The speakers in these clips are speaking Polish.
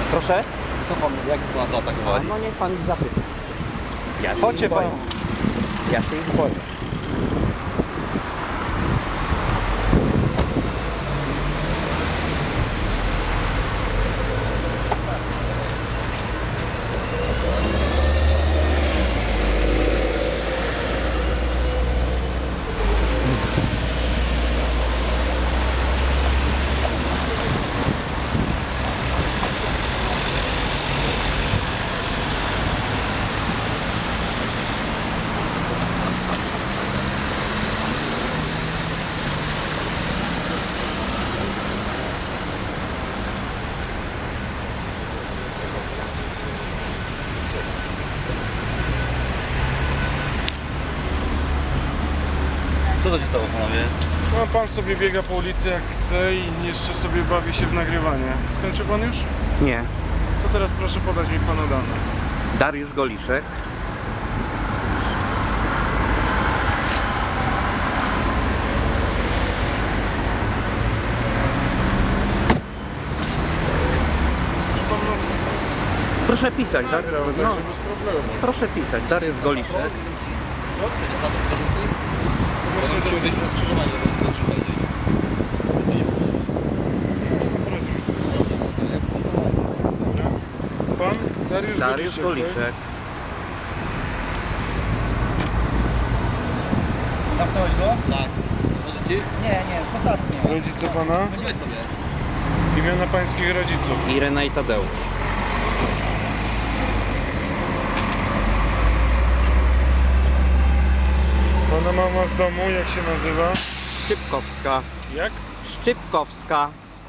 Proszę? Co pan, jak pana zaatakowali? No niech pan ich zapyta. Ja się Chodźcie ich boję. pan. Ja się ich boję. Co to się stało, panowie? No, pan sobie biega po ulicy jak chce i jeszcze sobie bawi się w nagrywanie. Skończył pan już? Nie. To teraz proszę podać mi pana dane. Dariusz Goliszek. Czy pan nas Proszę pisać, tak? nagrał, No, także bez problemu. proszę pisać. Dariusz Goliszek. Chcecie pan zarzuty? Bo musimy wyjść na skrzyżowanie, bo to trzeba powiedzieć. Pan? Dariusz Dariusz Goliszek, Goliszek. Zamknąłeś go? Tak. Otworzycie? Nie, ostatnie. tak? Rodzice pana? Weź sobie. Imiona pańskich rodziców. Irena i Tadeusz. Pana mama z domu, jak się nazywa? Szczypkowska. Jak? Szczypkowska.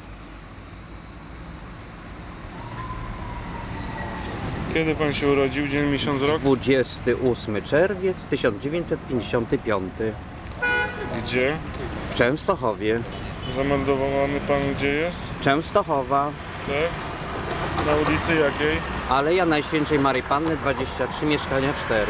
Kiedy pan się urodził? Dzień, miesiąc, rok? 28 czerwiec 1955 Gdzie? w Częstochowie. Zameldowany pan gdzie jest? Częstochowa, Tak? Na ulicy jakiej? Aleja Najświętszej Maryi Panny 23, mieszkania 4.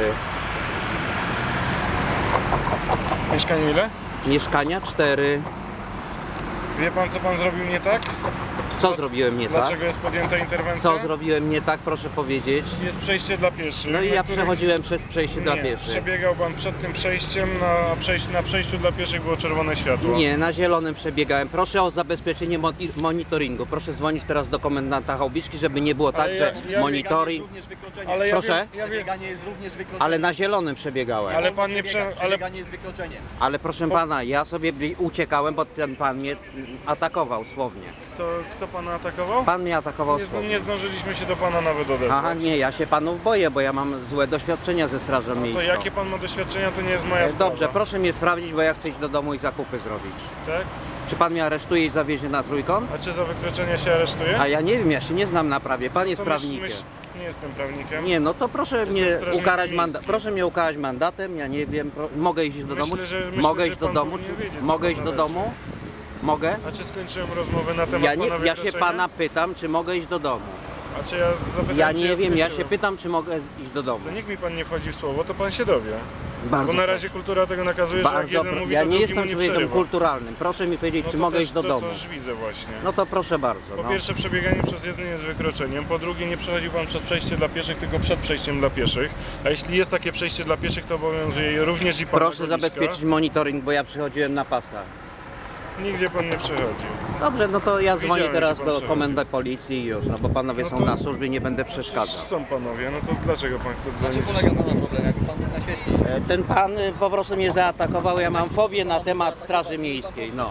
Mieszkanie ile? Mieszkania 4. Wie pan co pan zrobił nie tak? Co zrobiłem nie tak? Dlaczego jest podjęta interwencja? Co zrobiłem nie tak, proszę powiedzieć. Jest przejście dla pieszych. No i na ja którym- przechodziłem przez przejście dla Nie, pieszych. przebiegał pan przed tym przejściem, na przejściu dla pieszych było czerwone światło. Nie, na zielonym przebiegałem. Proszę o zabezpieczenie monitoringu. Proszę dzwonić teraz do komendanta Chałubiczki, żeby nie było tak, że ja- monitoring... Również wykroczenie. Ale ja Proszę? wiem, ja wiem, Przebieganie jest również wykroczenie. Ale na zielonym przebiegałem. Ale pan nie ale Przebieganie jest wykroczenie. Ale proszę pana, ja sobie uciekałem, bo ten pan mnie atakował słownie. kto pana atakował? Pan mnie atakował słownie. Nie zdążyliśmy się do pana nawet odezwać. Aha, nie, ja się panów boję, bo ja mam złe doświadczenia ze Strażą To Miejską. jakie pan ma doświadczenia, to nie jest moja sprawa. Dobrze, proszę mnie sprawdzić, bo ja chcę iść do domu i zakupy zrobić. Tak? Czy pan mnie aresztuje i zawiezie na Trójkąt? A czy za wykroczenie się aresztuje? A ja nie wiem, ja się nie znam na prawie. Pan jest To prawnikiem. nie jestem prawnikiem. Nie, no to proszę mnie strażnikiem ukarać miejskim. proszę mnie ukarać mandatem, ja nie wiem, mogę iść do domu? Mogę że iść do pan domu? powinien wiedzieć, co Mogę pan iść do należy. domu? Mogę? A czy skończyłem rozmowę na temat Ja, nie, pana ja się wykroczenia? pana pytam, czy mogę iść do domu. A czy ja zapytam, Ja czy nie wiem, ja się skończyłem? pytam, czy mogę iść do domu. To niech mi pan nie wchodzi w słowo, to pan się dowie. Bardzo Bo na razie kultura tego nakazuje, że jak Bardzo jeden pro- mówi, ja to nie drugi jestem mu nie człowiekiem przerywa. kulturalnym. Proszę mi powiedzieć, No czy to mogę też- iść do to domu. już widzę właśnie. No to proszę bardzo. Po No. pierwsze, przebieganie przez jeden jest wykroczeniem, po drugie, nie przechodził pan przez przejście dla pieszych, tylko przed przejściem dla pieszych. A jeśli jest takie przejście dla pieszych, to obowiązuje je również i pana Proszę Goliszka. zabezpieczyć monitoring, bo ja przychodziłem na pasa. Nigdzie pan nie przechodził. Dobrze, no to ja dzwonię Widziałem, teraz gdzie pan do przechodzi. komendy policji i już, no bo panowie No są to- na służbie, nie będę przeszkadzał. Są panowie, no to dlaczego pan chce Na dzwonić? czym polega pana problem? Jak pan mógł naświetlić? Ten pan po prostu mnie zaatakował, ja mam fobię na temat Straży Miejskiej, no.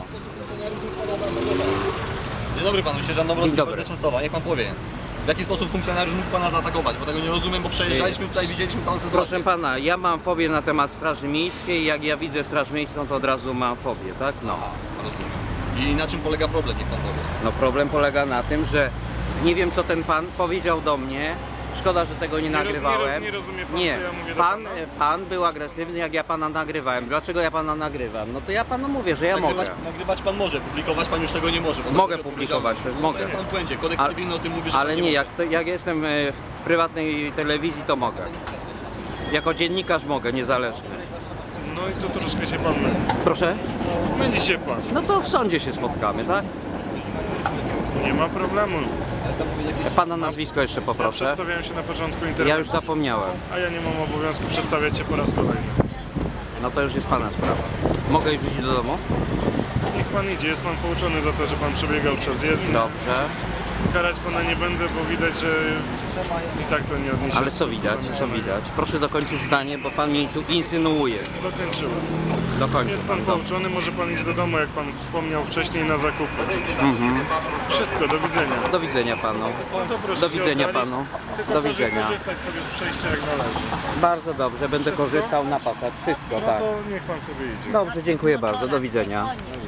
Dzień dobry panu, sierżant Dzień Dąbrowski, dobry. Policja Częstochowa. Niech pan powie. W jaki sposób funkcjonariusz mógł pana zaatakować? Bo tego nie rozumiem, bo przejeżdżaliśmy tutaj, widzieliśmy całą sytuację. Proszę pana, ja mam fobię na temat Straży Miejskiej, jak ja widzę Straż Miejską, to od razu mam fobię, tak? No. Rozumiem. I na czym polega problem? Niech pan powie. No problem polega na tym, że nie wiem co ten pan powiedział do mnie. Szkoda, że tego nie nagrywałem. nie rozumie pan, Nie, co ja mówię do pan, pana? pan był agresywny, jak ja pana nagrywałem. Dlaczego ja pana nagrywam? No to ja panu mówię, że ja mogę. Nagrywać pan może, publikować pan już tego nie może. bo Mogę to publikować, odpowiedzialność. mogę. To jest pan w błędzie. Kodeks Ale- cywilny o tym mówi, że Ale pan nie, może. jak jestem w prywatnej telewizji, to mogę. Jako dziennikarz mogę, niezależny. No i tu troszkę się pan myli. Proszę? Myli się pan. No to w sądzie się spotkamy, tak? Nie ma problemu. Pana nazwisko jeszcze Ja poproszę. przedstawiałem się na początku interwencji, Ja już zapomniałem. a ja nie mam obowiązku przedstawiać się po raz kolejny. No to już jest Pana sprawa. Mogę już iść do domu? Niech pan idzie, jest pan pouczony za to, że pan przebiegał przez jezdnię. Dobrze. Karać pana nie będę, bo widać, że i tak to nie odniesie. Ale co widać? Co widać? Proszę dokończyć zdanie, bo Pan mi tu insynuuje. Dokończyłem. Dokończył Jest pan Pan. Dobrze. pouczony, może pan iść do domu, jak pan wspomniał wcześniej, na zakupy. Wszystko, do widzenia. Do widzenia Panu. No to proszę Do się widzenia oddalić, Panu. tylko Do proszę widzenia. korzystać sobie z przejścia jak należy. Bardzo dobrze, będę Wszystko? korzystał na pasach. Wszystko, No tak. to niech pan sobie idzie. Dobrze, dziękuję bardzo. Do widzenia.